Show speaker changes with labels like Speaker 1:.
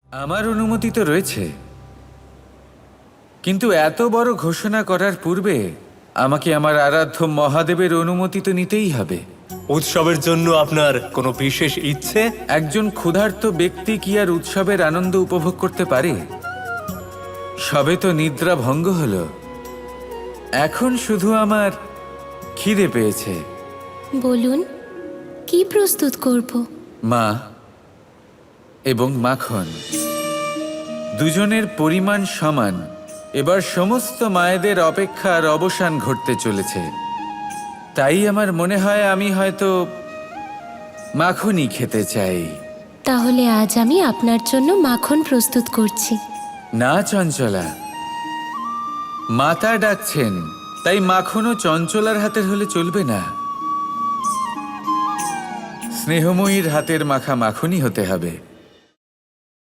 Speaker 1: আমার অনুমতি তো রয়েছে, কিন্তু এত বড় ঘোষণা করার পূর্বে আমাকে আমার আরাধ্য মহাদেবের অনুমতি তো নিতেই হবে।
Speaker 2: উৎসবের জন্য আপনার কোনো বিশেষ ইচ্ছে?
Speaker 1: একজন ক্ষুধার্ত ব্যক্তি কি আর উৎসবের আনন্দ উপভোগ করতে পারে? সবে তো নিদ্রা ভঙ্গ হলো, এখন শুধু আমার খিদে পেয়েছে।
Speaker 3: বলুন, কি প্রস্তুত করব?
Speaker 1: মা এবং মাখন দুজনের পরিমাণ সমান। এবার সমস্ত মায়েদের অপেক্ষার অবসান ঘটতে চলেছে, তাই আমার মনে হয় আমি হয়তো মাখনই খেতে চাই।
Speaker 3: তাহলে আজ আমি আপনার জন্য মাখন প্রস্তুত করছি।
Speaker 1: না চঞ্চলা, মাতা ডাকছেন, তাই মাখনও চঞ্চলার হাতের হলে চলবে না। স্নেহময়ীর হাতের মাখা মাখনই হতে হবে।